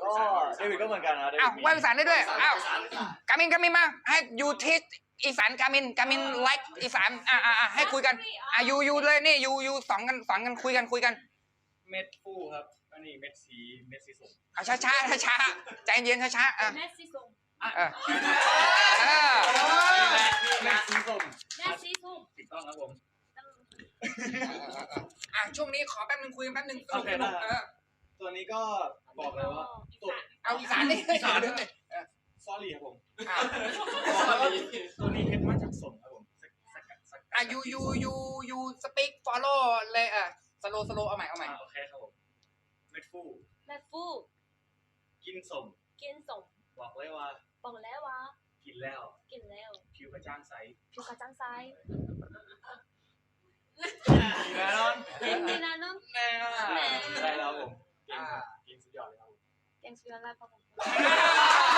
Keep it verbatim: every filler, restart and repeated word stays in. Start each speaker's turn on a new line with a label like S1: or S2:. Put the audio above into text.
S1: ก็เดวิดก็เหมือนกันนะ
S2: อ้าวว่าภาษาได้ด้วยอ้าวกามินกามินมาให้ยูทิสอีสานกามินกามินไลค์อีสานอ่าอ่าให้คุยกันอ่ะยูยูเลยนี่ยูยูสองกันสองกันคุยกันคุยกัน
S1: เม็ดฟูครับอันนี้เม็ดสีเม็ดสีส้ม
S2: อ่ะช้าช้าช้าช้าใจเย็นช้าช้าอ่ะ
S3: เม็ดสีส้ม
S2: เออเออ
S1: เม็ดสีส้ม
S3: เม็ดสีส้ม
S1: ถูกต้องครับผม
S2: อ่ะช่วงนี้ขอแป๊บนึงคุยกันแป๊บนึง
S1: โอเคได้
S2: เออ
S1: ตัวนี้ก็บอกเลยว่าตัว
S2: เอาอีสานนี่อีสานด้วย
S1: ซอรี่ครับผม
S2: อ่ะ
S1: ตัวนี้เฮ็ดมาจากส้มครับผมสกัดสกัด
S2: อ่ะยูยูยูยูสปีกฟอลโล่เลยอ่ะสโลสโลเอาใหม่เอาใหม่
S1: โอเคครับผมเม็ดฟู
S3: เม็ดฟู
S1: กินส้ม
S3: กินส้ม
S1: บอกเลยว่า
S3: บอกแล้วว่า
S1: กินแล้ว
S3: กินแล้ว
S1: ผิวกระจ่างใส
S3: ผิวกระจ่างใส
S1: ดีแน่นอน
S3: เก่งดีนะน้อง
S2: แน่
S1: ได้แล้วผมเก่งครับเก่งสุดยอดเลยครับผม
S3: เก่งสุดยอดเลยครับผม